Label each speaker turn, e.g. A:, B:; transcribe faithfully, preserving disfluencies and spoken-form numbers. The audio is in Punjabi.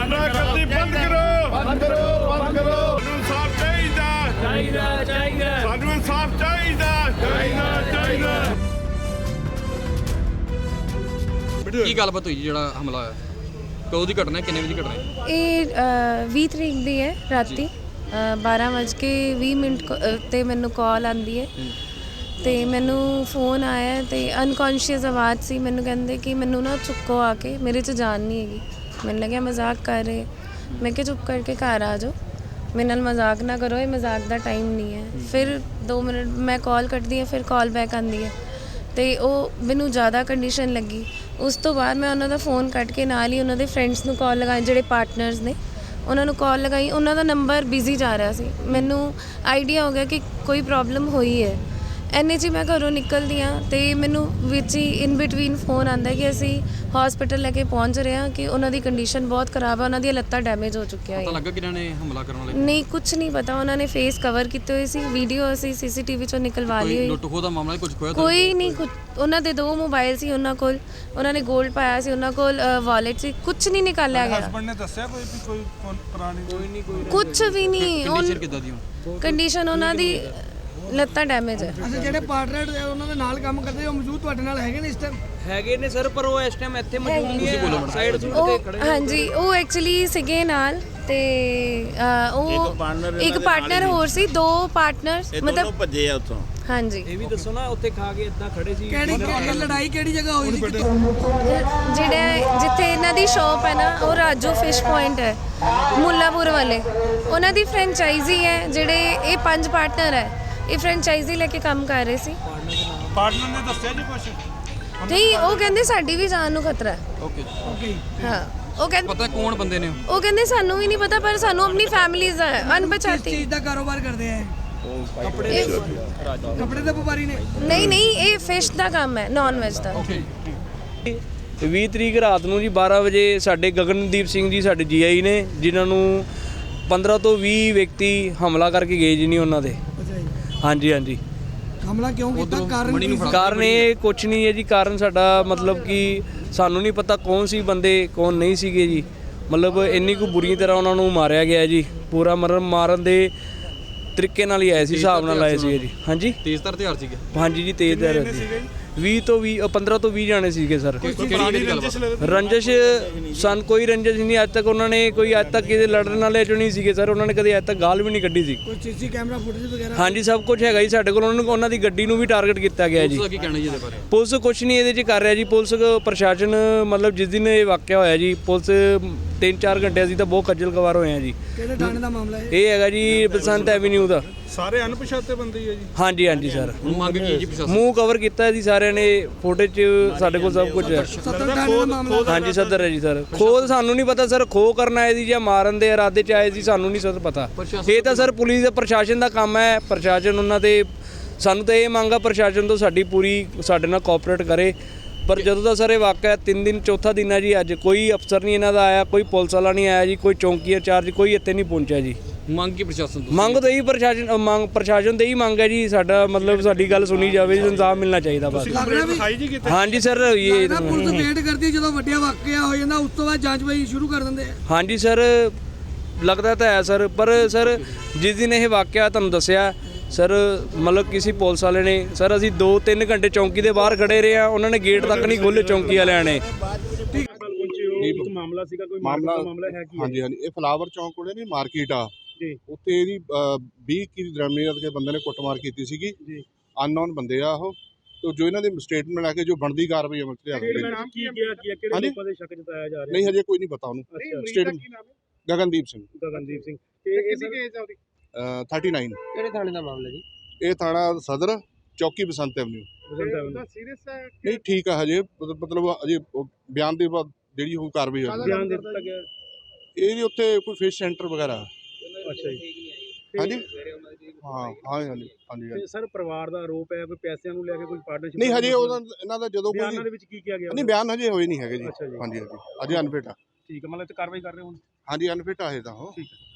A: ਗੁੰਡਾਗਰਦੀ ਬੰਦ ਕਰੋ ਬੰਦ ਕਰੋ ਬੰਦ ਕਰੋ ਸਾਨੂੰ ਇਨਸਾਫ ਚਾਹੀਦਾ ਚਾਹੀਦਾ ਚਾਹੀਦਾ ਸਾਨੂੰ ਇਨਸਾਫ ਚਾਹੀਦਾ ਚਾਹੀਦਾ ਚਾਹੀਦਾ।
B: ਕੀ ਗੱਲਬਾਤ ਹੋਈ ਜਿਹੜਾ ਹਮਲਾ ਹੋਇਆ? ਕਦੋਂ ਦੀ ਘਟਨਾ ਹੈ? ਕਿੰਨੇ ਵਜੇ ਦੀ ਘਟਨਾ ਹੈ?
C: ਇਹ ਵੀਹ ਤਰੀਕ ਦੀ ਹੈ ਰਾਤੀ ਬਾਰਾਂ ਵੱਜ ਕੇ ਵੀਹ ਮਿੰਟ ਤੇ ਮੈਨੂੰ ਕਾਲ ਆਂਦੀ ਹੈ ਤੇ ਮੈਨੂੰ ਫੋਨ ਆਇਆ ਤੇ ਅਨਕੌਂਸ਼ੀਅਸ ਆਵਾਜ਼ ਸੀ। ਮੈਨੂੰ ਕਹਿੰਦੇ ਕਿ ਮੈਨੂੰ ਨਾ ਚੁੱਕੋ ਆ ਕੇ, ਮੇਰੇ 'ਚ ਜਾਨ ਨਹੀਂ ਹੈਗੀ। ਮੈਨੂੰ ਲੱਗਿਆ ਮਜ਼ਾਕ ਕਰ ਰਹੇ। ਮੈਂ ਕਿਹਾ ਚੁੱਪ ਕਰਕੇ ਘਰ ਆ ਜਾਓ, ਮੇਰੇ ਨਾਲ ਮਜ਼ਾਕ ਨਾ ਕਰੋ, ਇਹ ਮਜ਼ਾਕ ਦਾ ਟਾਈਮ ਨਹੀਂ ਹੈ। ਫਿਰ ਦੋ ਮਿੰਟ ਮੈਂ ਕਾਲ ਕੱਟਦੀ ਹਾਂ, ਫਿਰ ਕਾਲ ਬੈਕ ਆਉਂਦੀ ਹੈ ਤੇ ਉਹ ਮੈਨੂੰ ਜ਼ਿਆਦਾ ਕੰਡੀਸ਼ਨ ਲੱਗੀ। ਉਸ ਤੋਂ ਬਾਅਦ ਮੈਂ ਉਹਨਾਂ ਦਾ ਫੋਨ ਕੱਟ ਕੇ ਨਾਲ ਹੀ ਉਹਨਾਂ ਦੇ ਫਰੈਂਡਸ ਨੂੰ ਕਾਲ ਲਗਾਈ, ਜਿਹੜੇ ਪਾਰਟਨਰਸ ਨੇ ਉਹਨਾਂ ਨੂੰ ਕਾਲ ਲਗਾਈ। ਉਹਨਾਂ ਦਾ ਨੰਬਰ ਬਿਜ਼ੀ ਜਾ ਰਿਹਾ ਸੀ। ਮੈਨੂੰ ਆਈਡੀਆ ਹੋ ਗਿਆ ਕਿ ਕੋਈ ਪ੍ਰੋਬਲਮ ਹੋਈ ਹੈ। ਐਨੇ 'ਚ ਮੈਂ ਘਰੋਂ ਨਿਕਲਦੀ ਹਾਂ ਅਤੇ ਮੈਨੂੰ ਵਿੱਚ ਹੀ ਇਨ ਬਿਟਵੀਨ ਫੋਨ ਆਉਂਦਾ ਕਿ ਅਸੀਂ ਹਸਪੀਟਲ ਲੈ ਕੇ ਪਹੁੰਚ ਰਹੇ ਹਾਂ ਕਿ ਉਹਨਾਂ ਦੀ ਕੰਡੀਸ਼ਨ ਬਹੁਤ ਖਰਾਬ ਹੈ, ਉਹਨਾਂ ਦੀਆਂ ਲੱਤਾਂ ਡੈਮੇਜ ਹੋ ਚੁੱਕੀਆਂ ਹੈ।
B: ਪਤਾ ਲੱਗਾ ਕਿਹਨਾਂ ਨੇ ਹਮਲਾ ਕਰਨ ਵਾਲੇ?
C: ਨਹੀਂ, ਕੁਝ ਨਹੀਂ ਪਤਾ। ਉਹਨਾਂ ਨੇ ਫੇਸ ਕਵਰ ਕੀਤੇ ਹੋਏ ਸੀ। ਵੀਡੀਓ ਅਸੀਂ ਸੀਸੀਟੀਵੀ 'ਚੋਂ ਨਿਕਲਵਾ ਲਈ ਹੋਈ।
B: ਲੁੱਟ ਖੋਹ ਦਾ ਮਾਮਲਾ ਕੁਝ ਖੋਇਆ?
C: ਕੋਈ ਨਹੀਂ, ਕੁਝ ਉਹਨਾਂ ਦੇ ਦੋ ਮੋਬਾਈਲ ਸੀ ਉਹਨਾਂ ਕੋਲ, ਉਹਨਾਂ ਨੇ ਗੋਲਡ ਪਾਇਆ ਸੀ, ਉਹਨਾਂ ਕੋਲ ਵਾਲਟ ਸੀ, ਕੁਝ ਨਹੀਂ ਨਿਕਾਲਿਆ ਗਿਆ।
A: ਹਸਬੰਡ ਨੇ ਦੱਸਿਆ ਕੋਈ ਵੀ ਕੋਈ ਪੁਰਾਣੀ ਕੋਈ ਨਹੀਂ ਕੋਈ
C: ਕੁਝ ਵੀ ਨਹੀਂ।
B: ਕੰਡੀਸ਼ਨ ਕਿੱਦਾਂ ਦੀ?
C: ਕੰਡੀਸ਼ਨ ਉਹਨਾਂ ਦੀ ਲੱਤਾਂ ਡੈਮੇਜ ਹੈ।
D: ਅੱਛਾ, ਜਿਹੜੇ ਪਾਰਟਨਰ ਉਹਨਾਂ ਦੇ ਨਾਲ ਕੰਮ ਕਰਦੇ ਉਹ ਮੌਜੂਦ ਤੁਹਾਡੇ ਨਾਲ ਹੈਗੇ ਨੇ ਇਸ ਟਾਈਮ?
E: ਹੈਗੇ ਨੇ ਸਰ, ਪਰ ਉਹ ਇਸ ਟਾਈਮ ਇੱਥੇ ਮੌਜੂਦ ਨਹੀਂ ਹੈ। ਸਾਈਡ ਤੇ ਖੜੇ।
C: ਹਾਂਜੀ, ਉਹ ਐਕਚੁਅਲੀ ਸੀਗੇ ਨਾਲ ਤੇ ਉਹ ਇੱਕ ਪਾਰਟਨਰ ਹੋਰ ਸੀ, ਦੋ ਪਾਰਟਨਰਸ ਮਤਲਬ
F: ਭੱਜੇ ਆ ਉੱਥੋਂ।
C: ਹਾਂਜੀ,
E: ਇਹ ਵੀ ਦੱਸੋ ਨਾ, ਉੱਥੇ ਖਾ ਕੇ ਇੱਦਾਂ ਖੜੇ ਸੀ।
D: ਕਿਹੜੀ ਕਿਹੜੀ ਲੜਾਈ ਕਿਹੜੀ ਜਗ੍ਹਾ ਹੋਈ ਸੀ?
C: ਜਿਹੜੇ ਜਿੱਥੇ ਇਹਨਾਂ ਦੀ ਸ਼ਾਪ ਹੈ ਨਾ, ਉਹ ਰਾਜੂ ਫਿਸ਼ ਪੁਆਇੰਟ ਹੈ ਮੁੱਲਾਪੁਰ ਵਾਲੇ। ਉਹਨਾਂ ਦੀ ਫਰੈਂਚਾਈਜ਼ੀ ਹੈ। ਜਿਹੜੇ ਇਹ ਪੰਜ ਪਾਰਟਨਰ ਹੈ, ਇਹ ਫਰੈਂਚਾਈਜ਼ੀ ਲੈ ਕੇ ਕੰਮ ਕਰ ਰਹੇ ਸੀ।
A: ਪਾਰਟਨਰ ਨੇ ਦੱਸਿਆ ਜੀ ਕੁਝ?
C: ਨਹੀਂ, ਉਹ ਕਹਿੰਦੇ ਸਾਡੀ ਵੀ ਜਾਨ ਨੂੰ ਖਤਰਾ ਹੈ।
B: ਓਕੇ
D: ਓਕੇ,
C: ਹਾਂ, ਉਹ ਕਹਿੰਦੇ
B: ਪਤਾ ਕੌਣ ਬੰਦੇ ਨੇ?
C: ਉਹ ਕਹਿੰਦੇ ਸਾਨੂੰ ਵੀ ਨਹੀਂ ਪਤਾ, ਪਰ ਸਾਨੂੰ ਆਪਣੀ ਫੈਮਿਲੀਜ਼ ਹੈ
D: ਕਿਸ
C: ਅਣਪਛਾਤੀ।
D: ਚੀਜ਼ ਦਾ ਕਾਰੋਬਾਰ ਕਰਦੇ ਆ?
E: ਕੱਪੜੇ
D: ਕੱਪੜੇ ਦੇ ਵਪਾਰੀ ਨੇ?
C: ਨਹੀਂ ਨਹੀਂ, ਇਹ ਫਿਸ਼ ਦਾ ਕੰਮ ਹੈ, ਨਾਨ ਵੈਜ ਦਾ।
B: ਓਕੇ।
E: ਵੀਹ ਤਰੀਕ ਰਾਤ ਨੂੰ ਜੀ ਬਾਰਾਂ ਵਜੇ ਸਾਡੇ ਗਗਨਦੀਪ ਸਿੰਘ ਜੀ ਸਾਡੇ ਜੀ ਆਈ ਨੇ, ਜਿਨ੍ਹਾਂ ਨੂੰ ਪੰਦਰਾਂ ਤੋਂ ਵੀਹ ਵਿਅਕਤੀ ਹਮਲਾ ਕਰਕੇ ਗਏ ਜੀ ਨਹੀਂ ਉਹਨਾਂ ਦੇ।
D: ਅੱਛਾ ਜੀ,
E: ਹਾਂਜੀ ਹਾਂਜੀ।
D: ਹਮਲਾ ਕਿਉਂ ਕੀਤਾ? ਕਾਰਨ ਕੀ ਸੀ?
E: ਕਾਰਨ ਇਹ ਕੁਛ ਨਹੀਂ ਹੈ ਜੀ। ਕਾਰਨ ਸਾਡਾ ਮਤਲਬ ਕਿ ਸਾਨੂੰ ਨਹੀਂ ਪਤਾ ਕੌਣ ਸੀ ਬੰਦੇ, ਕੌਣ ਨਹੀਂ ਸੀਗੇ ਜੀ। ਮਤਲਬ ਇੰਨੀ ਕੁ ਬੁਰੀ ਤਰ੍ਹਾਂ ਉਹਨਾਂ ਨੂੰ ਮਾਰਿਆ ਗਿਆ ਜੀ। ਪੂਰਾ ਮਰਨ ਮਾਰਨ ਦੇ ਤਰੀਕੇ ਨਾਲ ਹੀ ਆਏ ਸੀ, ਹਿਸਾਬ ਨਾਲ ਆਏ ਸੀਗੇ ਜੀ। ਹਾਂਜੀ,
B: ਤੇਜ਼ਧਾਰ ਹਥਿਆਰ ਸੀਗੇ?
E: ਹਾਂਜੀ ਜੀ, ਤੇਜ਼ ਧਾਰ ਵੀਹ ਤੋਂ ਵੀਹ ਪੰਦਰਾਂ ਤੋਂ ਵੀਹ ਜਾਣੇ ਸੀਗੇ ਸਰ। ਰੰਜਿਸ਼ ਸਨ ਕੋਈ ਰੰਜਿਸ਼ ਨਹੀਂ ਅੱਜ ਤੱਕ। ਉਹਨਾਂ ਨੇ ਕੋਈ ਅੱਜ ਤੱਕ ਕਿਸੇ ਲੜਨ ਵਾਲੇ ਚੋਂ ਨਹੀਂ ਸੀਗੇ ਸਰ। ਉਹਨਾਂ ਨੇ ਕਦੇ ਅੱਜ ਤੱਕ ਗਾਲ ਵੀ ਨਹੀਂ ਕੱਢੀ ਸੀ।
D: ਕੋਈ ਸੀਸੀ ਕੈਮਰਾ ਫੁਟੇਜ ਵਗੈਰਾ?
E: ਹਾਂਜੀ, ਸਭ ਕੁਝ ਹੈਗਾ ਜੀ ਸਾਡੇ ਕੋਲ। ਉਹਨਾਂ ਨੂੰ ਉਹਨਾਂ ਦੀ ਗੱਡੀ ਨੂੰ ਵੀ ਟਾਰਗੇਟ ਕੀਤਾ ਗਿਆ ਜੀ।
B: ਪੁਲਿਸ ਦਾ ਕੀ ਕਹਿਣਾ ਜੀ ਇਹਦੇ ਬਾਰੇ?
E: ਪੁਲਿਸ ਕੁਛ ਨਹੀਂ ਇਹਦੇ 'ਚ ਕਰ ਰਿਹਾ ਜੀ। ਪੁਲਿਸ ਪ੍ਰਸ਼ਾਸਨ ਮਤਲਬ ਜਿਸ ਦਿਨ ਇਹ ਵਾਕਿਆ ਹੋਇਆ ਜੀ, ਪੁਲਿਸ ਤਿੰਨ ਚਾਰ ਘੰਟੇ ਅਸੀਂ ਤਾਂ ਬਹੁਤ ਖੱਜਲ ਖਵਾਰ ਹੋਏ ਆ ਜੀ।
D: ਕਿਹੜੇ ਥਾਣੇ ਦਾ ਮਾਮਲਾ ਹੈ?
E: ਇਹ ਹੈਗਾ ਜੀ ਬਸੰਤ ਐਵੀਨਿਊ ਦਾ।
A: ਸਾਰੇ ਅਣਪਛਾਤੇ ਬੰਦੇ ਹੀ ਆ ਜੀ?
E: ਹਾਂਜੀ ਹਾਂਜੀ ਸਰ।
B: ਹੁਣ ਮੰਗ ਕੀ ਜੀ ਪ੍ਰਸ਼ਾਸਨ?
E: ਮੂੰਹ ਕਵਰ ਕੀਤਾ ਜੀ ਸਾਰਿਆਂ ਨੇ। ਫੋਟੋ 'ਚ ਸਾਡੇ ਕੋਲ ਸਭ ਕੁਝ ਹੈ।
D: ਸੱਤਰ ਥਾਣੇ ਦਾ ਮਾਮਲਾ?
E: ਹਾਂਜੀ ਸਦਰ ਹੈ ਜੀ ਸਰ। ਖੋਹ ਸਾਨੂੰ ਨਹੀਂ ਪਤਾ ਸਰ, ਖੋਹ ਕਰਨ ਆਏ ਸੀ ਜਾਂ ਮਾਰਨ ਦੇ ਇਰਾਦੇ 'ਚ ਆਏ ਸੀ, ਸਾਨੂੰ ਨਹੀਂ ਸਰ ਪਤਾ। ਇਹ ਤਾਂ ਸਰ ਪੁਲਿਸ ਦਾ ਪ੍ਰਸ਼ਾਸਨ ਦਾ ਕੰਮ ਹੈ। ਪ੍ਰਸ਼ਾਸਨ ਉਹਨਾਂ ਦੇ ਸਾਨੂੰ ਤਾਂ ਇਹ ਮੰਗ ਆ ਪ੍ਰਸ਼ਾਸਨ ਤੋਂ ਸਾਡੀ ਪੂਰੀ ਸਾਡੇ ਨਾਲ ਕੋਆਪਰੇਟ ਕਰੇ। ਪਰ ਜਦੋਂ ਦਾ ਸਰ ਇਹ ਵਾਕਿਆ ਤਿੰਨ ਦਿਨ ਚੌਥਾ ਦਿਨ ਹੈ ਜੀ, ਅੱਜ ਕੋਈ ਅਫਸਰ ਨਹੀਂ ਇਹਨਾਂ ਦਾ ਆਇਆ, ਕੋਈ ਪੁਲਿਸ ਵਾਲਾ ਨਹੀਂ ਆਇਆ ਜੀ, ਕੋਈ ਚੌਂਕੀ ਇੰਚਾਰਜ ਕੋਈ ਇੱਥੇ ਨਹੀਂ ਪਹੁੰਚਿਆ ਜੀ।
B: ਮੰਗ ਕੀ ਪ੍ਰਸ਼ਾਸਨ ਤੋਂ?
E: ਮੰਗ ਤਾਂ ਇਹੀ ਪ੍ਰਸ਼ਾਸਨ ਮੰਗ ਪ੍ਰਸ਼ਾਸਨ ਤੇ ਹੀ ਮੰਗ ਹੈ ਜੀ। ਸਾਡਾ ਮਤਲਬ ਸਾਡੀ ਗੱਲ ਸੁਣੀ ਜਾਵੇ, ਇਨਸਾਫ ਮਿਲਣਾ ਚਾਹੀਦਾ ਬਸ।
D: ਲੱਗਦਾ ਵੀ
A: ਖਾਈ ਜੀ ਕਿਤੇ?
E: ਹਾਂਜੀ ਸਰ, ਇਹ
D: ਲੱਗਦਾ ਪੁਲਿਸ ਵੇਟ ਕਰਦੀ ਹੈ ਜਦੋਂ ਵੱਡਾ ਵਾਕਿਆ ਹੋ ਜਾਂਦਾ, ਉਸ ਤੋਂ ਬਾਅਦ ਜਾਂਚ ਵਈ ਸ਼ੁਰੂ ਕਰ ਦਿੰਦੇ ਆ।
E: ਹਾਂਜੀ ਸਰ, ਲੱਗਦਾ ਤਾਂ ਹੈ ਸਰ। ਪਰ ਸਰ ਜਿਸ ਦਿਨ ਇਹ ਵਾਕਿਆ ਤੁਹਾਨੂੰ ਦੱਸਿਆ ਸਰ, ਮਤਲਬ ਕਿਸੇ ਪੁਲਿਸ ਵਾਲੇ ਨੇ ਸਰ, ਅਸੀਂ ਦੋ ਤਿੰਨ ਘੰਟੇ ਚੌਂਕੀ ਦੇ ਬਾਹਰ ਖੜੇ ਰਹੇ ਆ, ਉਹਨਾਂ ਨੇ ਗੇਟ ਤੱਕ ਨਹੀਂ ਖੋਲ੍ਹੇ ਚੌਂਕੀ ਵਾਲਿਆਂ ਨੇ।
A: ਇੱਕ ਮਾਮਲਾ ਸੀਗਾ, ਕੋਈ ਮਾਮਲਾ ਮਾਮਲਾ ਹੈ ਕੀ?
G: ਹਾਂਜੀ ਹਾਂਜੀ, ਇਹ ਫਲਾਵਰ ਚੌਂਕ ਕੋਲੇ ਨਹੀਂ ਮਾਰਕੀਟ ਆ
A: ਜੀ,
G: ਉੱਥੇ ਇਹਦੀ ਵੀਹ ਕੀ ਦਰਮਿਆਨ ਦੇ ਬੰਦੇ ਨੇ ਕੁੱਟਮਾਰ ਕੀਤੀ ਸੀਗੀ ਜੀ। ਅਨਨੋਨ ਬੰਦੇ ਆ ਉਹ। ਤੇ ਜੋ ਇਹਨਾਂ ਦੀ ਸਟੇਟਮੈਂਟ ਲੈ ਕੇ ਜੋ ਬਣਦੀ ਕਾਰਵਾਈ ਅਮਲ ਚ ਲਿਆ
A: ਕੀ ਗਿਆ ਕੀ ਕਿਹੜੇ ਲੋਕਾਂ ਦੇ ਸ਼ੱਕ ਜਤਾਇਆ ਜਾ ਰਿਹਾ?
G: ਨਹੀਂ ਹਜੇ ਕੋਈ ਨਹੀਂ ਪਤਾ ਉਹਨੂੰ। ਸਟੇਟਮੈਂਟ ਗਗਨਦੀਪ ਸਿੰਘ।
A: ਗਗਨਦੀਪ ਸਿੰਘ। ਤੇ ਇਹ ਕਿੰਨੀ ਏਜ ਆ ਉਹਦੀ?
G: Thirty nine.
E: ਕਿਹੜੇ ਥਾਣੇ ਦਾ ਮਾਮਲਾ ਜੀ?
G: ਇਹ ਥਾਣਾ ਸਦਰ, ਚੌਕੀ ਬਸੰਤ ਐਵਨਿਊ।
A: ਉਹਦਾ ਸੀਰੀਅਸ ਹੈ?
G: ਨਹੀਂ ਠੀਕ ਆ ਹਜੇ, ਮਤਲਬ ਅਜੇ ਬਿਆਨ ਦੇ ਬਾਅਦ ਜਿਹੜੀ ਉਹ ਕਾਰਵਾਈ ਹੋਈ।
A: ਬਿਆਨ ਦੇ ਦਿੱਤਾ ਗਿਆ?
G: ਇਹ ਜੀ ਉੱਥੇ ਕੋਈ ਫਿਸ਼ ਸੈਂਟਰ ਵਗੈਰਾ।
A: ਅੱਛਾ ਜੀ।
G: ਹਾਂਜੀ ਹਾਂ ਹਾਂ ਹਾਂਜੀ ਹਾਂਜੀ।
A: ਸਰ ਪਰਿਵਾਰ ਦਾ ਆਰੋਪ ਹੈ ਕਿ ਪੈਸਿਆਂ ਨੂੰ ਲੈ ਕੇ ਕੋਈ ਪਾਰਟਨਰਸ਼ਿਪ?
G: ਨਹੀਂ ਹਜੇ ਉਹਦਾ ਇਹਨਾਂ ਦਾ ਜਦੋਂ ਕੋਈ
A: ਬਿਆਨਾਂ ਦੇ ਵਿੱਚ ਕੀ ਕਿਹਾ ਗਿਆ?
G: ਨਹੀਂ ਬਿਆਨ ਹਜੇ ਹੋਏ ਨਹੀਂ ਹੈਗੇ ਜੀ।
A: ਅੱਛਾ ਜੀ।
G: ਹਾਂਜੀ ਹਾਂਜੀ, ਅਜੇ ਅਨਫਿਟ ਆ।
A: ਠੀਕ ਹੈ, ਮਤਲਬ ਤੇ ਕਾਰਵਾਈ ਕਰ ਰਹੇ ਹੋ ਹੁਣ?
G: ਹਾਂਜੀ ਅਨਫਿਟ ਆ ਇਹ ਤਾਂ ਉਹ।
A: ਠੀਕ ਹੈ।